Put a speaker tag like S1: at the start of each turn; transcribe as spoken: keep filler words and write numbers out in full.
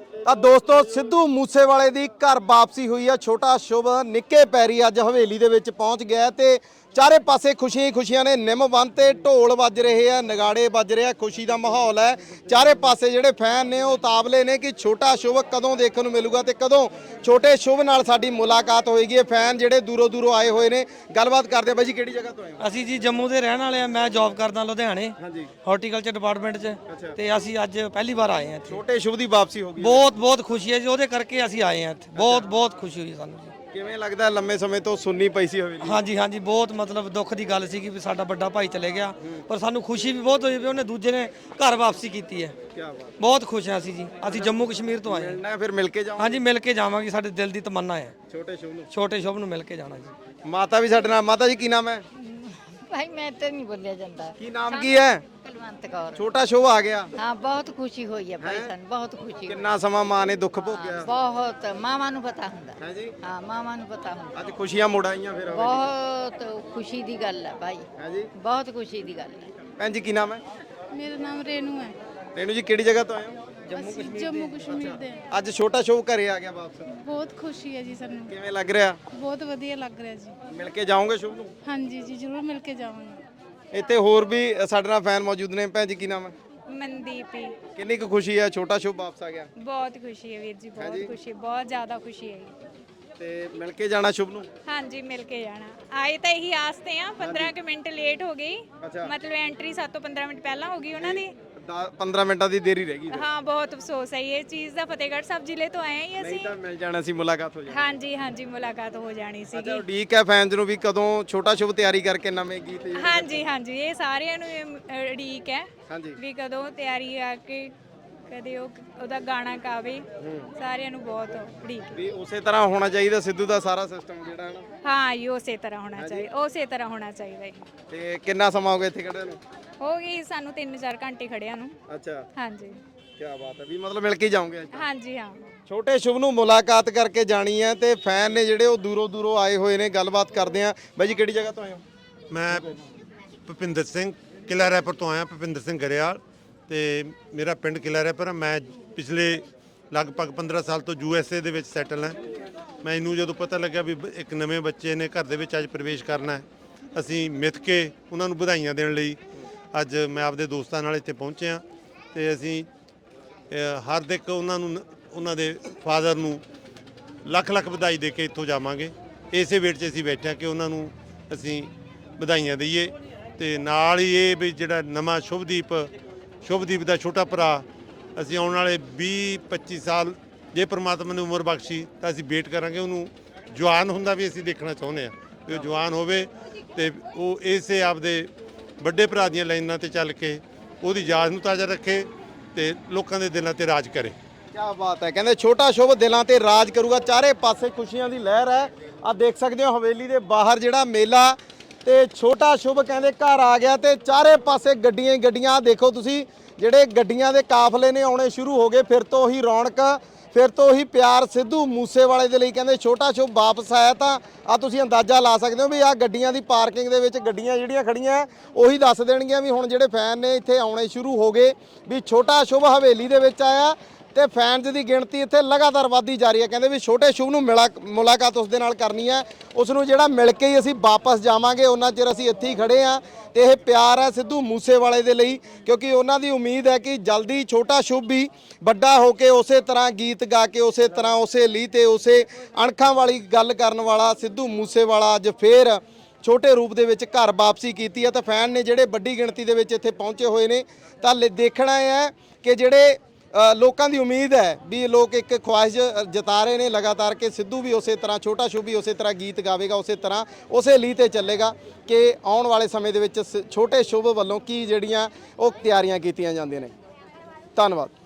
S1: ਤਾਂ ਦੋਸਤੋ ਸਿੱਧੂ ਮੂਸੇਵਾਲੇ ਦੀ ਘਰ ਵਾਪਸੀ ਹੋਈ ਆ। ਛੋਟਾ ਸ਼ੁਭ ਨਿੱਕੇ ਪੈਰੀ ਅੱਜ ਹਵੇਲੀ ਦੇ ਵਿੱਚ ਪਹੁੰਚ ਗਿਆ ਤੇ ਚਾਰੇ ਪਾਸੇ ਖੁਸ਼ੀਆਂ ਹੀ ਖੁਸ਼ੀਆਂ ਨੇ। ਨਿੰਮ ਬੰਨ ਤੇ ਢੋਲ ਵੱਜ ਰਹੇ ਆ, ਨਗਾੜੇ ਵੱਜ ਰਹੇ ਆ, ਖੁਸ਼ੀ ਦਾ ਮਾਹੌਲ ਹੈ। ਚਾਰੇ ਪਾਸੇ ਜਿਹੜੇ ਫੈਨ ਨੇ ਉਹ ਉਤਾਵਲੇ ਨੇ ਕਿ ਛੋਟਾ ਸ਼ੁਭ ਕਦੋਂ ਦੇਖਣ ਨੂੰ ਮਿਲੂਗਾ ਤੇ ਕਦੋਂ ਛੋਟੇ ਸ਼ੁਭ ਨਾਲ ਸਾਡੀ ਮੁਲਾਕਾਤ ਹੋਏਗੀ। ਇਹ ਫੈਨ ਜਿਹੜੇ ਦੂਰੋਂ ਦੂਰੋਂ ਆਏ ਹੋਏ ਨੇ, ਗੱਲਬਾਤ ਕਰਦੇ ਆ। ਬਾਈ ਜੀ ਕਿਹੜੀ ਜਗ੍ਹਾ ਤੋਂ ਆਏ ਹੋ?
S2: ਅਸੀਂ ਜੀ ਜੰਮੂ ਦੇ ਰਹਿਣ ਵਾਲੇ ਆ। ਮੈਂ ਜੌਬ ਕਰਦਾ ਲੁਧਿਆਣੇ
S1: ਹਾਂਜੀ,
S2: ਹਾਰਟੀਕਲਚਰ ਡਿਪਾਰਟਮੈਂਟ 'ਚ ਤੇ ਅਸੀਂ ਅੱਜ ਪਹਿਲੀ ਵਾਰ ਆਏ ਹਾਂ ਇੱਥੇ।
S1: ਛੋਟੇ ਸ਼ੁਭ ਦੀ ਵਾਪਸੀ ਹੋ ਗਈ।
S2: ਬਹੁਤ ਬਹੁਤ ਖੁਸ਼ੀ ਹੈ ਜੀ, ਉਹਦੇ ਕਰਕੇ ਅਸੀਂ ਆਏ ਹਾਂ ਇੱਥੇ। ਬਹੁਤ ਬਹੁਤ ਖੁਸ਼ੀ ਹੋਈ ਸਾਨੂੰ ਜੀ।
S1: ਕਿਵੇਂ ਲੱਗਦਾ? ਲੰਮੇ ਸਮੇਂ ਤੋਂ ਸੁੰਨੀ ਪਈ ਸੀ ਹਵੇਲੀ।
S2: ਹਾਂਜੀ ਹਾਂਜੀ, ਬਹੁਤ ਮਤਲਬ ਦੁੱਖ ਦੀ ਗੱਲ ਸੀ ਕਿ ਵੀ ਸਾਡਾ ਵੱਡਾ ਭਾਈ ਚਲੇ ਗਿਆ, ਪਰ ਸਾਨੂੰ ਖੁਸ਼ੀ ਵੀ ਬਹੁਤ ਹੋਈ ਵੀ ਉਹਨੇ ਦੂਜੇ ਨੇ ਘਰ ਵਾਪਸੀ ਕੀਤੀ ਹੈ।
S1: ਕੀ ਬਾਤ।
S2: ਬਹੁਤ ਖੁਸ਼ ਹਾਂ ਅਸੀਂ ਜੀ। ਅਸੀਂ ਜੰਮੂ ਕਸ਼ਮੀਰ ਤੋਂ ਆਏ ਹਾਂ।
S1: ਮਿਲਣਾ ਫਿਰ ਮਿਲ ਕੇ ਜਾਓ।
S2: ਹਾਂਜੀ, ਮਿਲ ਕੇ ਜਾਵਾਂਗੇ, ਸਾਡੇ ਦਿਲ ਦੀ ਤਮੰਨਾ ਹੈ
S1: ਛੋਟੇ ਸ਼ੁਭ ਨੂੰ।
S2: ਛੋਟੇ ਸ਼ੁਭ ਨੂੰ ਮਿਲ ਕੇ ਜਾਣਾ ਜੀ।
S1: ਮਾਤਾ ਵੀ ਸਾਡੇ ਨਾਲ। ਮਾਤਾ ਜੀ ਕੀ ਨਾਮ ਹੈ?
S3: भाई मैं तो नहीं बोलिया जाता।
S1: ਕੀ ਨਾਮ ਕੀ ਹੈ?
S3: कुलवंत कौर।
S1: ਛੋਟਾ ਸ਼ੁਭ ਆ ਗਿਆ।
S3: हाँ बहुत खुशी हुई है भाई सन, बहुत खुशी हुई।
S1: ਕਿੰਨਾ ਸਮਾਂ ਮਾਂ ਨੇ ਦੁੱਖ ਭੋਗਿਆ।
S3: बहुत मामा नु पता हुंदा।
S1: ਹੈ ਜੀ।
S3: हाँ मामा नु पता हुंदा।
S1: ਅੱਜ ਖੁਸ਼ੀਆਂ ਮੁੜ ਆਈਆਂ ਫਿਰ ਹਵੇਲੀ।
S3: बहुत खुशी दी गल है भाई,
S1: ਹੈ ਜੀ।
S3: बहुत खुशी दी गल है।
S1: ਭੈਣ ਜੀ ਕੀ ਨਾਮ ਹੈ?
S4: ਮੇਰਾ ਨਾਮ ਰੇਨੂ ਹੈ।
S1: ਰੇਨੂ ਜੀ ਕਿਹੜੀ ਜਗ੍ਹਾ ਤੋਂ ਆਏ ਹੋ?
S4: ਅਸੀਂ ਜੰਮੂ ਕਸ਼ਮੀਰ ਦੇ ਹਾਂ।
S1: ਅੱਜ ਛੋਟਾ ਸ਼ੁਭ ਘਰੇ ਆ ਗਿਆ ਵਾਪਸ।
S4: ਬਹੁਤ ਖੁਸ਼ੀ ਹੈ ਜੀ ਸਾਨੂੰ,
S1: ਕਿਵੇਂ ਲੱਗ ਰਿਹਾ?
S4: ਬਹੁਤ ਵਧੀਆ ਲੱਗ ਰਿਹਾ ਜੀ।
S1: ਮਿਲ ਕੇ ਜਾਓਗੇ ਸ਼ੁਭ ਨੂੰ?
S4: ਹਾਂਜੀ ਜੀ, ਜ਼ਰੂਰ ਮਿਲ ਕੇ ਜਾਵਾਂਗੇ।
S1: ਇੱਥੇ ਹੋਰ ਵੀ ਸਾਡੇ ਨਾਲ ਫੈਨ ਮੌਜੂਦ ਨੇ। ਭੈਣ ਜੀ ਕੀ ਨਾਮ ਹੈ?
S5: ਮਨਦੀਪ ਹੀ।
S1: ਕਿੰਨੀ ਕੁ ਖੁਸ਼ੀ ਹੈ ਛੋਟਾ ਸ਼ੁਭ ਵਾਪਸ ਆ ਗਿਆ?
S5: ਬਹੁਤ ਖੁਸ਼ੀ ਹੈ ਵੀਰ ਜੀ, ਬਹੁਤ ਖੁਸ਼ੀ, ਬਹੁਤ ਜ਼ਿਆਦਾ ਖੁਸ਼ੀ ਹੈ ਜੀ।
S1: ਤੇ ਮਿਲ ਕੇ ਜਾਣਾ ਸ਼ੁਭ ਨੂੰ?
S5: ਹਾਂਜੀ, ਮਿਲ ਕੇ ਜਾਣਾ। ਆਏ ਤਾਂ ਇਹੀ ਆਸ ਤੇ ਆ। ਪੰਦਰਾਂ ਕੁ ਮਿੰਟ ਲੇਟ ਹੋ ਗਈ,
S1: ਅੱਛਾ।
S5: ਮਤਲਬ ਐਂਟਰੀ ਸੱਤ ਤੋਂ ਪੰਦਰਾਂ ਮਿੰਟ ਪਹਿਲਾਂ ਹੋ ਗਈ ਉਹਨਾਂ ਦੀ।
S1: ਦਸ ਪੰਦਰਾਂ ਮਿੰਟਾਂ ਦੀ ਦੇਰੀ ਰਹਿ ਗਈ।
S5: ਹਾਂ, ਬਹੁਤ ਅਫਸੋਸ ਹੈ ਇਹ ਚੀਜ਼ ਦਾ। ਫਤਿਹਗੜ੍ਹ ਸਾਹਿਬ ਜ਼ਿਲ੍ਹੇ ਤੋਂ ਆਏ ਹਾਂ
S1: ਨਹੀਂ
S5: ਅਸੀਂ।
S1: ਤਾਂ ਮਿਲ ਜਾਣਾ ਸੀ, ਮੁਲਾਕਾਤ ਹੋ ਜਾਣੀ।
S5: ਹਾਂਜੀ ਹਾਂਜੀ, ਮੁਲਾਕਾਤ ਹੋ ਜਾਣੀ
S1: ਅੱਛਾ,
S5: ਸੀਗੀ।
S1: ਉਡੀਕ ਹੈ ਫੈਨਸ ਨੂੰ ਵੀ ਕਦੋਂ ਛੋਟਾ ਸ਼ੁਭ ਤਿਆਰੀ ਕਰਕੇ ਨਵੇਂ ਗੀਤ ਜਿਹੜੇ-
S5: ਹਾਂਜੀ ਹਾਂਜੀ, ਇਹ ਸਾਰਿਆਂ ਨੂੰ ਇਹ ਉਡੀਕ ਹੈ
S1: ਹਾਂਜੀ।
S5: ਵੀ ਕਦੋਂ ਤਿਆਰੀ ਆ ਕੇ ਕਦੇ ਉਹ ਉਹਦਾ ਗਾਣਾ ਗਾਵੇ। ਸਾਰਿਆਂ ਨੂੰ ਬਹੁਤ ਉਡੀਕ ਹੈ।
S1: ਵੀ ਉਸੇ ਤਰ੍ਹਾਂ ਹੋਣਾ ਚਾਹੀਦਾ ਸਿੱਧੂ ਦਾ ਸਾਰਾ ਸਿਸਟਮ ਜਿਹੜਾ ਹੈ ਨਾ।
S5: ਹਾਂ ਜੀ, ਉਸੇ ਤਰ੍ਹਾਂ ਹੋਣਾ ਚਾਹੀਦਾ, ਉਸੇ ਤਰ੍ਹਾਂ ਹੋਣਾ ਚਾਹੀਦਾ ਜੀ।
S1: ਤੇ ਕਿੰਨਾ ਸਮਾਂ ਹੋ ਗਿਆ ਇੱਥੇ ਖੜੇ ਨੂੰ?
S5: ਹੋ ਗਈ ਸਾਨੂੰ ਤਿੰਨ ਚਾਰ ਘੰਟੇ ਖੜਿਆਂ ਨੂੰ।
S1: ਅੱਛਾ,
S5: ਹਾਂਜੀ
S1: ਕੀ ਬਾਤ ਹੈ। ਵੀ ਮਤਲਬ ਮਿਲ ਕੇ ਜਾਓਗੇ ਅੱਜ?
S5: ਹਾਂਜੀ ਹਾਂ।
S1: ਛੋਟੇ ਸ਼ੁਭ ਨੂੰ ਮੁਲਾਕਾਤ ਕਰਕੇ ਜਾਣੀ ਹੈ ਤੇ ਫੈਨ ਨੇ ਜਿਹੜੇ ਉਹ ਦੂਰੋਂ ਦੂਰੋਂ ਆਏ ਹੋਏ ਨੇ। ਗੱਲਬਾਤ ਕਰਦੇ ਆ। ਬਾਈ ਜੀ ਕਿਹੜੀ ਜਗ੍ਹਾ ਤੋਂ ਆਏ ਹੋ?
S6: ਮੈਂ ਭੁਪਿੰਦਰ ਸਿੰਘ ਕਿਲ੍ਹਾ ਰੈਪਰ ਤੋਂ ਆਇਆ, ਭੁਪਿੰਦਰ ਸਿੰਘ ਗਰੇਵਾਲ ਤੇ ਮੇਰਾ ਪਿੰਡ ਕਿਲ੍ਹਾ ਰੈਪਰ। ਮੈਂ ਪਿਛਲੇ ਲਗਭਗ ਪੰਦਰਾਂ ਸਾਲ ਤੋਂ ਯੂ ਐਸ ਏ ਦੇ ਵਿੱਚ ਸੈਟਲ ਹਾਂ। ਮੈਨੂੰ ਜਦੋਂ ਪਤਾ ਲੱਗਿਆ ਵੀ ਇੱਕ ਨਵੇਂ ਬੱਚੇ ਨੇ ਘਰ ਦੇ ਵਿੱਚ ਅੱਜ ਪ੍ਰਵੇਸ਼ ਕਰਨਾ ਹੈ, ਅਸੀਂ ਮਿੱਥ ਕੇ ਉਹਨਾਂ ਨੂੰ ਵਧਾਈਆਂ ਦੇਣ ਲਈ ਅੱਜ ਮੈਂ ਆਪਦੇ ਦੋਸਤਾਂ ਨਾਲ ਇੱਥੇ ਪਹੁੰਚੇ ਹਾਂ ਤੇ ਅਸੀਂ ਹਾਰਦਿਕ ਉਹਨਾਂ ਨੂੰ ਉਹਨਾਂ ਦੇ ਫਾਦਰ ਨੂੰ ਲੱਖ ਲੱਖ ਵਧਾਈ ਦੇ ਕੇ ਇੱਥੋਂ ਜਾਵਾਂਗੇ। ਇਸੇ ਵੇਟ 'ਚ ਅਸੀਂ ਬੈਠੇ ਹਾਂ ਕਿ ਉਹਨਾਂ ਨੂੰ ਅਸੀਂ ਵਧਾਈਆਂ ਦਈਏ ਤੇ ਨਾਲ ਹੀ ਇਹ ਵੀ ਜਿਹੜਾ ਨਵਾਂ ਸ਼ੁਭਦੀਪ ਸ਼ੁਭਦੀਪ ਦਾ ਛੋਟਾ ਭਰਾ, ਅਸੀਂ ਆਉਣ ਵਾਲੇ ਵੀਹ ਪੱਚੀ ਸਾਲ ਜੇ ਪ੍ਰਮਾਤਮਾ ਨੇ ਉਮਰ ਬਖਸ਼ੀ ਤਾਂ ਅਸੀਂ ਵੇਟ ਕਰਾਂਗੇ ਉਹਨੂੰ ਜਵਾਨ ਹੁੰਦਾ ਵੀ ਅਸੀਂ ਦੇਖਣਾ ਚਾਹੁੰਦੇ ਹਾਂ ਕਿ ਉਹ ਜਵਾਨ ਹੋਵੇ ਤੇ ਉਹ ਇਸੇ ਆਪਦੇ ਵੱਡੇ ਭਰਾ ਦੀਆਂ ਲਾਈਨਾਂ ਤੇ ਚੱਲ ਕੇ ਉਹਦੀ ਯਾਦ ਨੂੰ ਤਾਜ਼ਾ ਰੱਖੇ ਤੇ ਲੋਕਾਂ ਦੇ ਦਿਲਾਂ ਤੇ ਰਾਜ ਕਰੇ।
S1: ਕੀ ਬਾਤ ਹੈ। ਕਹਿੰਦੇ ਛੋਟਾ ਸ਼ੁਭ ਦਿਲਾਂ ਤੇ ਰਾਜ ਕਰੂਗਾ। ਚਾਰੇ ਪਾਸੇ ਖੁਸ਼ੀਆਂ ਦੀ ਲਹਿਰ ਹੈ। ਆ ਦੇਖ ਸਕਦੇ ਹੋ ਹਵੇਲੀ ਦੇ ਬਾਹਰ ਜਿਹੜਾ ਮੇਲਾ ਤੇ ਛੋਟਾ ਸ਼ੁਭ ਕਹਿੰਦੇ ਘਰ ਆ ਗਿਆ ਤੇ ਚਾਰੇ ਪਾਸੇ ਗੱਡੀਆਂ ਹੀ ਗੱਡੀਆਂ। ਆ ਦੇਖੋ ਤੁਸੀਂ, ਜਿਹੜੇ ਗੱਡੀਆਂ ਦੇ ਕਾਫਲੇ ਨੇ ਆਉਣੇ ਸ਼ੁਰੂ ਹੋ ਗਏ। ਫਿਰ ਤੋਂ ਹੀ ਰੌਣਕ, ਫਿਰ ਤੋਂ ਹੀ ਪਿਆਰ ਸਿੱਧੂ ਮੂਸੇਵਾਲੇ ਦੇ ਲਈ। ਕਹਿੰਦੇ ਛੋਟਾ ਸ਼ੁਭ ਵਾਪਸ ਆਇਆ ਤਾਂ ਆ ਤੁਸੀਂ ਅੰਦਾਜ਼ਾ ਲਾ ਸਕਦੇ ਹੋ ਵੀ ਆ ਗੱਡੀਆਂ ਦੀ ਪਾਰਕਿੰਗ ਦੇ ਵਿੱਚ ਗੱਡੀਆਂ ਜਿਹੜੀਆਂ ਖੜੀਆਂ ਉਹੀ ਦੱਸ ਦੇਣਗੀਆਂ ਵੀ ਹੁਣ ਜਿਹੜੇ ਫੈਨ ਨੇ ਇੱਥੇ ਆਉਣੇ ਸ਼ੁਰੂ ਹੋ ਗਏ ਵੀ ਛੋਟਾ ਸ਼ੁਭ ਹਵੇਲੀ ਦੇ ਵਿੱਚ ਆਇਆ ਤੇ ਫੈਨਸ ਦੀ ਗਿਣਤੀ ਇੱਥੇ ਲਗਾਤਾਰ ਵਧਦੀ ਜਾ ਰਹੀ ਹੈ। ਕਹਿੰਦੇ ਵੀ ਛੋਟੇ ਸ਼ੁਭ ਨੂੰ ਮਿਲਾ ਮੁਲਾਕਾਤ ਉਸ ਦੇ ਨਾਲ ਕਰਨੀ ਹੈ, ਉਸ ਨੂੰ ਜਿਹੜਾ ਮਿਲ ਕੇ ਹੀ ਅਸੀਂ ਵਾਪਸ ਜਾਵਾਂਗੇ। ਉਹਨਾਂ ਚਿਰ ਅਸੀਂ ਇੱਥੇ ਹੀ ਖੜੇ ਹਾਂ ਤੇ ਇਹ ਪਿਆਰ ਹੈ ਸਿੱਧੂ ਮੂਸੇਵਾਲੇ ਦੇ ਲਈ, ਕਿਉਂਕਿ ਉਹਨਾਂ ਦੀ ਉਮੀਦ ਹੈ ਕਿ ਜਲਦੀ ਛੋਟਾ ਸ਼ੁਭ ਵੀ ਵੱਡਾ ਹੋ ਕੇ ਉਸੇ ਤਰ੍ਹਾਂ ਗੀਤ ਗਾ ਕੇ ਉਸੇ ਤਰ੍ਹਾਂ ਉਸੇ ਲੀ ਤੇ ਉਸੇ ਅਣਖਾਂ ਵਾਲੀ ਗੱਲ ਕਰਨ ਵਾਲਾ ਸਿੱਧੂ ਮੂਸੇਵਾਲਾ ਅੱਜ ਫੇਰ ਛੋਟੇ ਰੂਪ ਦੇ ਵਿੱਚ ਘਰ ਵਾਪਸੀ ਕੀਤੀ ਹੈ। ਤਾਂ ਫੈਨ ਨੇ ਜਿਹੜੇ ਵੱਡੀ ਗਿਣਤੀ ਦੇ ਵਿੱਚ ਇੱਥੇ ਪਹੁੰਚੇ ਹੋਏ ਨੇ ਤਾਂ ਦੇਖਣਾ ਇਹ ਹੈ ਕਿ ਜਿਹੜੇ ਲੋਕਾਂ ਦੀ ਉਮੀਦ ਹੈ ਵੀ ਲੋਕ ਇੱਕ ਖੁਆਇਸ਼ ਜਤਾ ਰਹੇ ਨੇ ਲਗਾਤਾਰ ਕਿ ਸਿੱਧੂ ਵੀ ਉਸੇ ਤਰ੍ਹਾਂ ਛੋਟਾ ਸ਼ੁਭ ਵੀ ਉਸੇ ਤਰ੍ਹਾਂ ਗੀਤ ਗਾਵੇਗਾ, ਉਸੇ ਤਰ੍ਹਾਂ ਉਸੇ ਲੀਹ ਤੇ ਚੱਲੇਗਾ ਕਿ ਆਉਣ ਵਾਲੇ ਸਮੇਂ ਦੇ ਵਿੱਚ ਛੋਟੇ ਸ਼ੁਭ ਵੱਲੋਂ ਕੀ ਜਿਹੜੀਆਂ ਉਹ ਤਿਆਰੀਆਂ ਕੀਤੀਆਂ ਜਾਂਦੀਆਂ ਨੇ। ਧੰਨਵਾਦ।